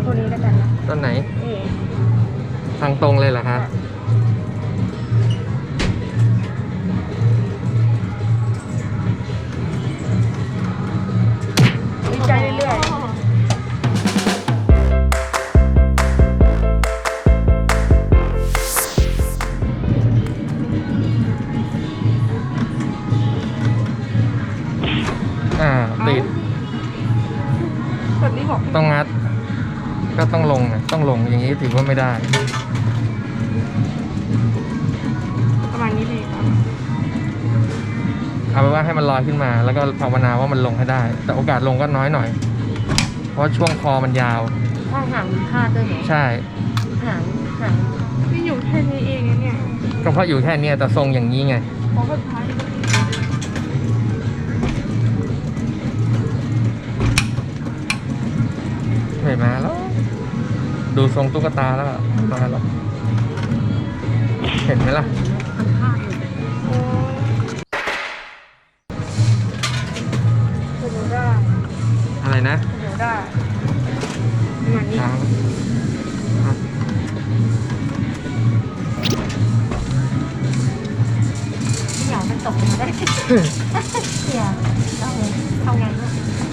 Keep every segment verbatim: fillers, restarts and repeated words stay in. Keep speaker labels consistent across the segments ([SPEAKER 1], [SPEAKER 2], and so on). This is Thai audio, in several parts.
[SPEAKER 1] ตัวนี้แล้วกันนะ
[SPEAKER 2] ต้นไหน
[SPEAKER 1] นี่
[SPEAKER 2] ทางตรงเลยเหรอคะ
[SPEAKER 1] ดีใจเรื่อย
[SPEAKER 2] อ่าติด
[SPEAKER 1] ๆแบบนี้บอก
[SPEAKER 2] ต้องงัด ก็ต้องลงนะต้องลงอย่างนี้ถือว่าไม่ได้
[SPEAKER 1] ประมาณนี้เลยครับ
[SPEAKER 2] เอาเป็นว่าให้มันลอยขึ้นมา แล้วก็ภาวนาว่ามันลงให้ได้ แต่โอกาสลงก็น้อยหน่อย เพราะช่วงคอมันยาว
[SPEAKER 3] ข้างหางมีคาดด้วยเหรอ
[SPEAKER 2] ใช่
[SPEAKER 3] หางหาง
[SPEAKER 1] นี่อยู่แค่นี้เองนะเนี่ย
[SPEAKER 2] ก็เพราะอยู่แค่เนี้ยแต่ทรงอย่างนี้ไง
[SPEAKER 1] ของสุดท้าย
[SPEAKER 2] ไม่มาแล้ว ดูทรงตุ๊กตาแล้วมาแล้ว เห็นไหมล่ะ
[SPEAKER 3] มันคาดอยู่
[SPEAKER 1] โอ้เดี๋ยวได้
[SPEAKER 2] อะไรนะ
[SPEAKER 1] เดี๋ยวได้ประมาณนี้
[SPEAKER 2] ช้างอ่ะ
[SPEAKER 3] อยากมันตกลงมาได้เสียต้องทำไงลูก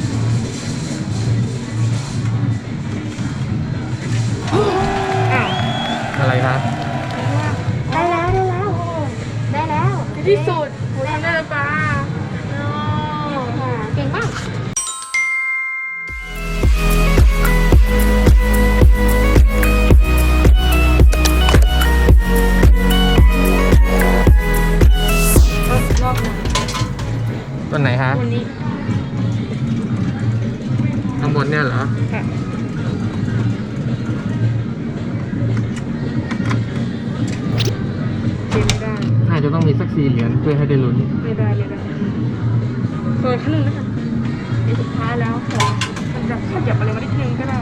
[SPEAKER 1] อ้าว
[SPEAKER 2] อะไรคะ
[SPEAKER 3] ได้แล้วได้แล้วได้แล้ว
[SPEAKER 1] ในที่สุดหนูทำได้แล้วป้า
[SPEAKER 3] เก่งมาก
[SPEAKER 1] รอบหนึ่ง
[SPEAKER 2] ต้นไหนคะ
[SPEAKER 1] วันนี้
[SPEAKER 2] ข้างบนเนี่ยเหรอ
[SPEAKER 1] ค่ะเกมไม่ได้
[SPEAKER 2] น่าจะต้องมีสักสี่เหรียญเพื่อให้ได้ลุ้น
[SPEAKER 1] ไม่ได้ไม่ได้เปิดขั้นหนึ่งนะคะเดี๋ยวสุดท้ายแล้วขอมันจะขยับอะไรมานิดนึงก็ได้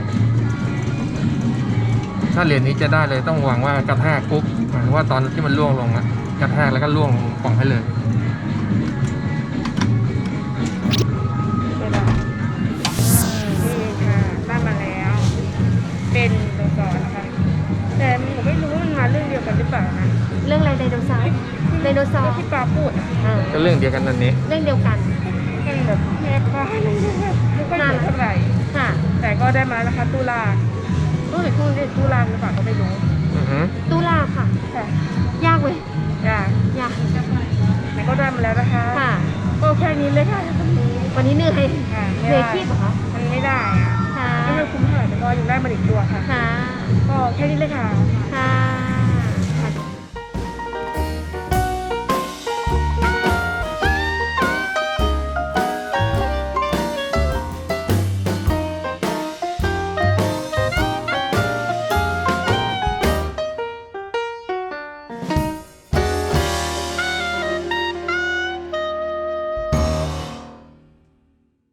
[SPEAKER 2] ถ้าเหรียญนี้จะได้เลยต้องหวังว่ากระแทกปุ๊บหมายถึงว่าตอนที่มันล่วงลงอะกระแทกแล้วก็ล่วงกล่องให้เลย
[SPEAKER 1] ไม่ได้นี่ค่ะได้มาแล้ว เป็นตัวก่อนนะคะแต่หนูไม่รู้ว่ามันมาเรื่องเดียวกันหรือเปล่านะ
[SPEAKER 3] เรื่องอะไรไดโนเสาร์ไดโนเสาร์
[SPEAKER 1] ที่ปลาพูดอะ
[SPEAKER 3] อ่า
[SPEAKER 2] ก็เรื่องเดียวกันนั่นนี้
[SPEAKER 3] เรื่องเดียวกัน
[SPEAKER 1] มันแบบแค่ปลาอะไรเงี้ยไม่ค่อยเยอะเท่าไหร่
[SPEAKER 3] ค่ะ
[SPEAKER 1] แต่ก็ได้มาแล้วนะคะตุลาตู้หรือตู้ตุลาหรือเปล่าก็ไม่รู้
[SPEAKER 2] อือฮึ
[SPEAKER 3] ตุลาค่ะ
[SPEAKER 1] แต่
[SPEAKER 3] ยากเว้ย
[SPEAKER 1] อย่าย
[SPEAKER 3] าก
[SPEAKER 1] แต่ก็ได้มาแล้วนะคะ
[SPEAKER 3] ค่ะ
[SPEAKER 1] ก็แค่นี้เลยค่ะวันนี้
[SPEAKER 3] วันนี้เหนื่อย
[SPEAKER 1] ค่ะ
[SPEAKER 3] เหนื่อยขี้เหรอคะ
[SPEAKER 1] มันไม่ได้อะ
[SPEAKER 3] ค่ะ
[SPEAKER 1] ไม่ได้คุ้มเท่าไหร่แต่ก็ยังได้มาอีกตัวค่ะ
[SPEAKER 3] ค่ะ
[SPEAKER 1] ก็แค่นี้เลยค่ะ
[SPEAKER 3] ค่ะ